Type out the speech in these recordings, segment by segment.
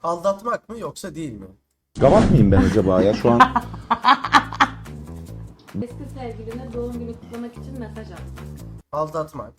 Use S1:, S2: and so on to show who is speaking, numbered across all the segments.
S1: Aldatmak mı yoksa değil mi?
S2: Gavat mıyım ben acaba ya şu an?
S3: Eski sevgiline doğum günü kutlamak için mesaj at.
S1: Aldatmak.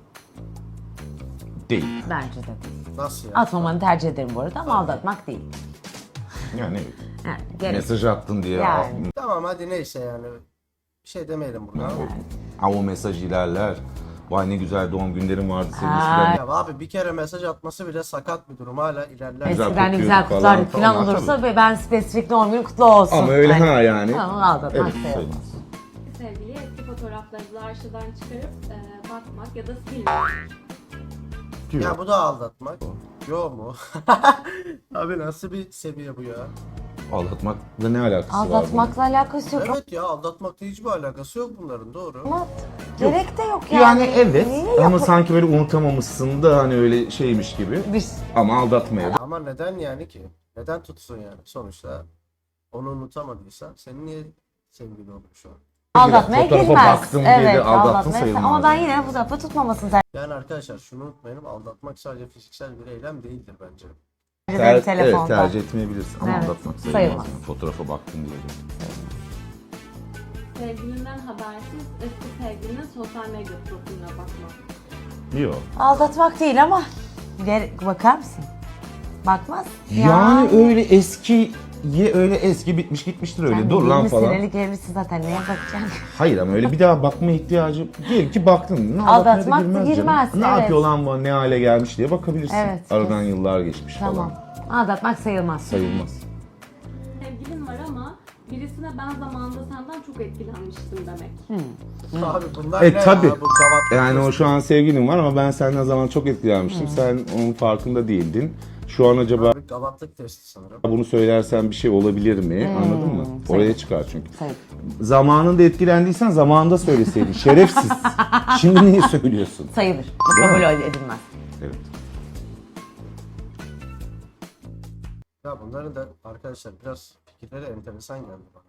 S2: Değil.
S4: Bence de değil.
S1: Nasıl ya?
S4: Atmamanı tercih ederim bu arada ama aldatmak değil.
S2: Yani
S4: Yani gerek.
S2: mesaj attın diye.
S4: Yani.
S1: Tamam hadi neyse yani. Bir şey demeyelim burada.
S2: Ama o mesaj ilerler. Vay ne güzel doğum günlerin vardı senin
S4: Ha.
S2: eskiden.
S1: Ya abi bir kere mesaj atması bile sakat bir durum. Hala ilerler.
S2: Güzel
S4: Eskiden de güzel
S2: kokuyordu
S4: kutlardık
S2: falan.
S4: falan
S2: Onlar
S4: olursa
S2: tabii.
S4: ve ben spesifik doğum günü kutlu olsun.
S2: Ama öyle
S4: Hani.
S2: ha yani.
S4: Tamam aldatmak
S2: Evet,
S4: sayılmaz.
S2: sayılmaz.
S3: Sevgiliye eski fotoğraflarınızı arşivden çıkarıp bakmak ya da silmek.
S2: Diyor.
S1: Ya bu da aldatmak. Yo mu? Abi nasıl bir seviye bu ya?
S2: Aldatmakla ne alakası var
S4: Aldatmakla alakası yok.
S1: Evet ya aldatmakla hiçbir alakası yok bunların doğru.
S4: Ama gerek de yok
S2: bunun?
S4: yani.
S2: Yani evet
S4: Niye
S2: ama sanki böyle unutamamışsın da hani öyle şeymiş gibi.
S4: Biz
S2: Ama aldatmaya da.
S1: Ama neden yani ki? Neden tutsun yani? Sonuçta onu unutamadıysa senin niye sevgili oluyor şu an?
S4: aldatmaya
S2: Fotoğrafa
S4: girmez.
S2: baktım diye de
S4: Evet
S2: aldattın
S4: aldatmaya
S2: sayılmaz
S4: ama ben
S2: yani.
S4: yine fotoğrafı tutmamasını tercih
S1: Yani arkadaşlar şunu unutmayalım aldatmak sadece fiziksel bir eylem değildir bence.
S4: ederim
S2: Evet
S4: telefonda.
S2: tercih etmeyebilirsin ama
S4: Evet,
S2: aldatmak sayılmaz.
S4: sayılmaz.
S2: Yani. Fotoğrafa baktım diye.
S3: Sevgilinden habersiz eski sevgilinin sosyal medya profiline bakmak.
S2: Yok.
S4: Aldatmak değil ama bakar mısın? Bakmaz.
S2: Yani öyle eski öyle eski bitmiş gitmiştir öyle.
S4: Sen
S2: Dur lan
S4: 20
S2: falan.
S4: senelik evlisin zaten neye bakacaksın?
S2: Hayır ama öyle bir daha bakma ihtiyacı. Diyelim ki baktın. Ne
S4: Aldatmak
S2: aldatmaya da
S4: da girmez,
S2: canım. Ne
S4: evet.
S2: yapıyor lan bu ne hale gelmiş diye bakabilirsin.
S4: Evet,
S2: Aradan yıllar geçmiş
S4: Tamam.
S2: falan.
S4: Aldatmak sayılmaz.
S2: Sayılmaz.
S3: Sevgilin var ama birisine ben zamanında senden çok etkilenmiştim demek.
S1: Abi bunlar ne
S2: Tabii.
S1: ya bu gavat.
S2: Yani o şu an sevgilin var ama ben senden zaman çok etkilenmiştim. Sen onun farkında değildin. Şu an acaba
S1: Abi gavatlık testi sanırım.
S2: bunu söylersen bir şey olabilir mi? Anladın mı? Oraya çıkar çünkü.
S4: Sayılır.
S2: Zamanında etkilendiysen zamanında söyleseydin. Şerefsiz. Şimdi niye söylüyorsun?
S4: Sayılır. Bu
S2: Değil mi?
S4: kabul edilmez.
S2: Evet.
S1: Ya bunların da arkadaşlar biraz fikirleri enteresan geldi bana.